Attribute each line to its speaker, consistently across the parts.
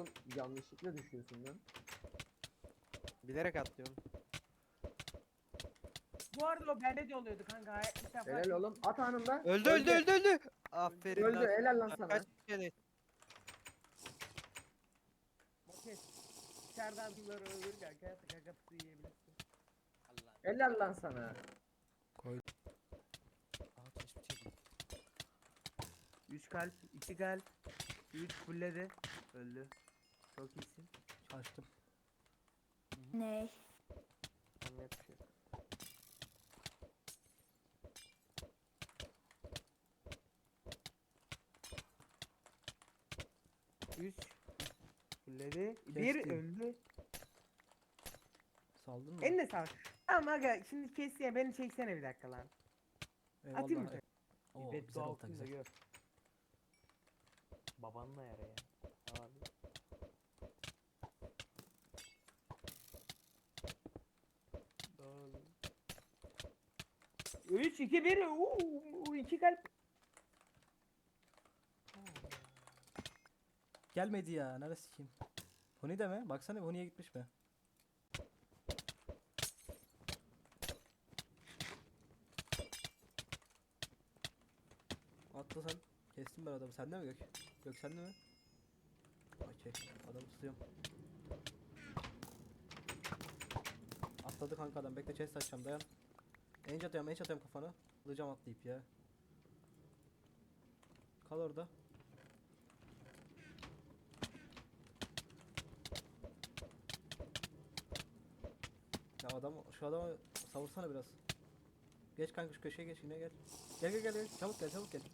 Speaker 1: Oğlum yanlışlıkla düşüyorsun lan.
Speaker 2: Bilerek atlıyorum.
Speaker 3: Bu arada o bende de oluyordu kanka. İlk defa
Speaker 1: Helal oğlum. At anında.
Speaker 2: Öldü. Aferin
Speaker 1: Öldü,
Speaker 2: lan.
Speaker 1: helal lan sana.
Speaker 2: Kaç kere?
Speaker 3: Bakın. İçeriden bunları öldür kanka. Kakası yiyebilirsin.
Speaker 2: Allah.
Speaker 1: Helal lan sana.
Speaker 4: Koy.
Speaker 2: Aa tespit edeyim.
Speaker 3: 3 kalp, 2 kalp, 3 fulledi. Öldü. Çok iyisin.
Speaker 4: Açtım.
Speaker 5: Ne?
Speaker 2: Anlayacak bir şey yok.
Speaker 3: Üç. Fulledi. Bir
Speaker 4: Kestim.
Speaker 3: öldü.
Speaker 4: Saldın mı?
Speaker 3: Eline sağlık. Tamam aga şimdi kes ya beni çeksene bir dakika lan.
Speaker 4: Eyvallah.
Speaker 3: Atayım mı?
Speaker 4: Oo,
Speaker 3: Bet
Speaker 4: güzel oldu
Speaker 3: altın da
Speaker 4: güzel.
Speaker 3: gör. Babanla yara ya. Abi. Doğru. 3 2 1 2 kalp.
Speaker 4: Gelmedi ya. Neresi kim? Huni de mi? Baksana Huni'ye gitmiş mi? Atla sen. Kestim ben adamı. Sende mi Gök? Gök sende mi? Okey. Adamı tutuyorum. Atladı kanka adam. Bekle chest açacağım. Dayan. Enç atıyorum kafana. Alacağım atlayıp ya. Kal orada. Ya adam şu adamı savursana biraz. Geç kanka şu köşeye geç yine gel. Gel. Çabuk gel.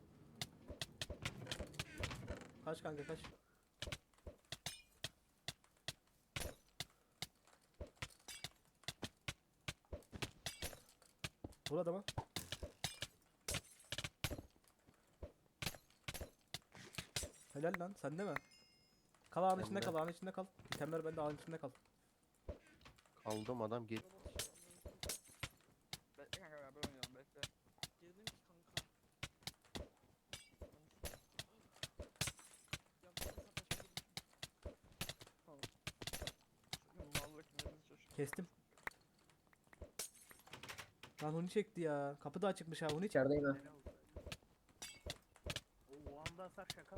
Speaker 4: Kaç kanka kaç. Vur adama. Helal lan sende mi? Kal ağın içinde
Speaker 6: Bende.
Speaker 4: kal ağın içinde kal. İtemler bende ağın içinde kal.
Speaker 6: Kaldım adam git.
Speaker 2: Bekle kanka beraber oynayalım bekle. Girdim ki kanka. Ya bu saçma girdim. Tamam. Mallık nedir çocuk?
Speaker 4: Kestim. Lan Huni çekti ya. Kapı da açıkmış ha Huni çek.
Speaker 1: İçerideyim ha.
Speaker 3: O anda hasar şaka mı?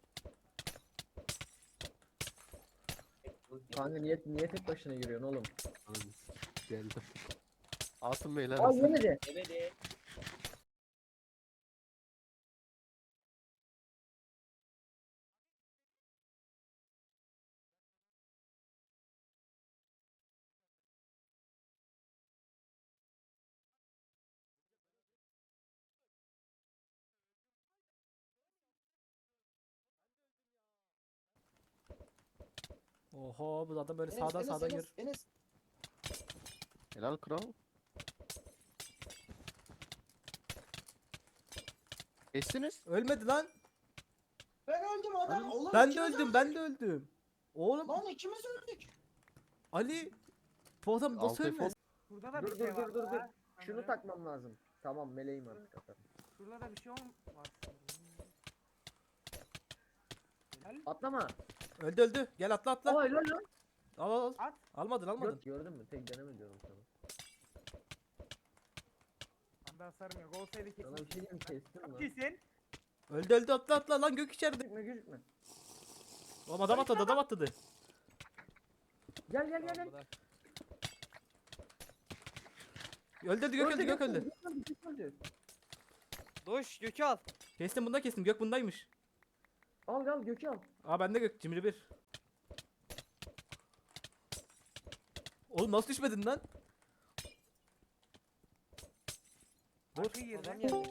Speaker 1: Kanka niye tek başına giriyorsun oğlum?
Speaker 6: Geldim. Asım beyler.
Speaker 1: Ay yemedi.
Speaker 4: Oho bu adam böyle sağdan gir.
Speaker 6: Helal kral. Kestiniz.
Speaker 4: Ölmedi lan.
Speaker 7: Ben öldüm adam. Oğlum
Speaker 4: Ben de
Speaker 7: ikimiz
Speaker 4: öldüm
Speaker 7: öldük.
Speaker 4: ben de öldüm. Oğlum
Speaker 7: Lan ikimiz öldük.
Speaker 4: Ali. Bu adam nasıl
Speaker 6: Altı
Speaker 4: ölmez?
Speaker 3: Burada da
Speaker 1: Dur
Speaker 3: bir şey var.
Speaker 1: dur.
Speaker 3: daha.
Speaker 1: Şunu
Speaker 3: Sanırım.
Speaker 1: takmam lazım. Tamam meleğim artık atarım.
Speaker 3: Şurada da bir şey var sanırım. Helal.
Speaker 1: Atlama.
Speaker 4: Öldü. Gel atla.
Speaker 1: Aa helal lan.
Speaker 4: Al.
Speaker 3: At.
Speaker 4: Almadın.
Speaker 1: Gördün mü? Tek deneme diyorum sana.
Speaker 3: Anda hasarım yok. Olsaydı
Speaker 1: Sana bir şey diyeyim kestim
Speaker 3: Çok
Speaker 1: lan.
Speaker 3: iyisin.
Speaker 4: Öldü atla lan Gök içeride.
Speaker 1: Gözükme.
Speaker 4: Oğlum adam atladı.
Speaker 1: Gel.
Speaker 4: Öldürdü Gök öldü.
Speaker 1: Gök öldü.
Speaker 2: Doş Gökü al.
Speaker 4: Kestim Gök bundaymış.
Speaker 1: Al Gök'ü al.
Speaker 4: Aa bende Gök cimri bir. Oğlum nasıl düşmedin lan? Dur.
Speaker 3: Arkayı girdi.
Speaker 2: Adam geldi.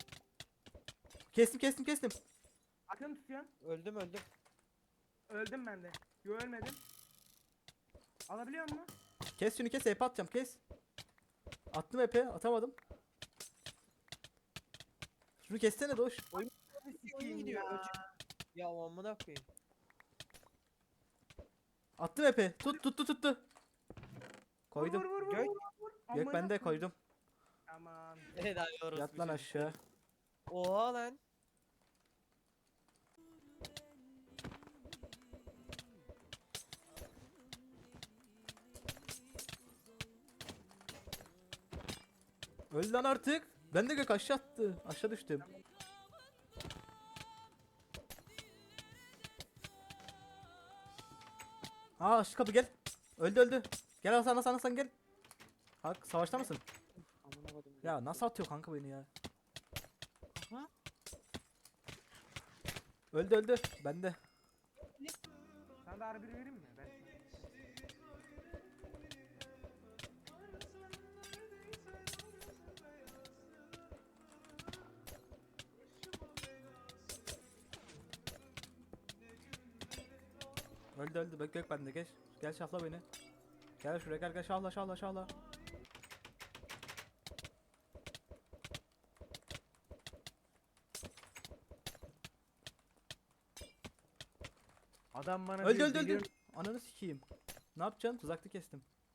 Speaker 4: Kestim.
Speaker 3: Akın tutuyorsun.
Speaker 2: Öldüm.
Speaker 3: Öldüm ben de. Yo ölmedim. Alabiliyor musun?
Speaker 4: Kes şunu EP atacağım kes. Attım EP atamadım. Şunu kessene Doş.
Speaker 2: Oyun gidiyor.
Speaker 3: Ya.
Speaker 2: Ya o amına koyayım.
Speaker 4: Attım EP. Tuttu. Koydum.
Speaker 3: Vur.
Speaker 2: Gök.
Speaker 4: Gök
Speaker 3: Amına
Speaker 4: bende
Speaker 3: koyayım.
Speaker 4: koydum.
Speaker 3: Aman.
Speaker 2: Helal orası.
Speaker 4: Yat lan aşağı.
Speaker 2: Oha lan.
Speaker 4: Öl lan artık. Ben de gök aşağı attı. Aşağı düştüm. Aa şu kapı gel. Öldü öldü. Gel Hasan gel. Hak savaşta mısın?
Speaker 2: Amına koydum.
Speaker 4: Ya nasıl atıyor kanka beni ya?
Speaker 2: Aha.
Speaker 4: Öldü. Bende.
Speaker 3: Sana da R1 vereyim mi? Ben
Speaker 4: Öldü. Bak gök bende geç. Gel şafla beni. Gel şuraya gel şahla.
Speaker 3: Adam bana
Speaker 4: Öldü
Speaker 3: diyor,
Speaker 4: öldü.
Speaker 3: geliyorum.
Speaker 4: Ananı sikeyim. Ne yapacaksın? Tuzaklı kestim.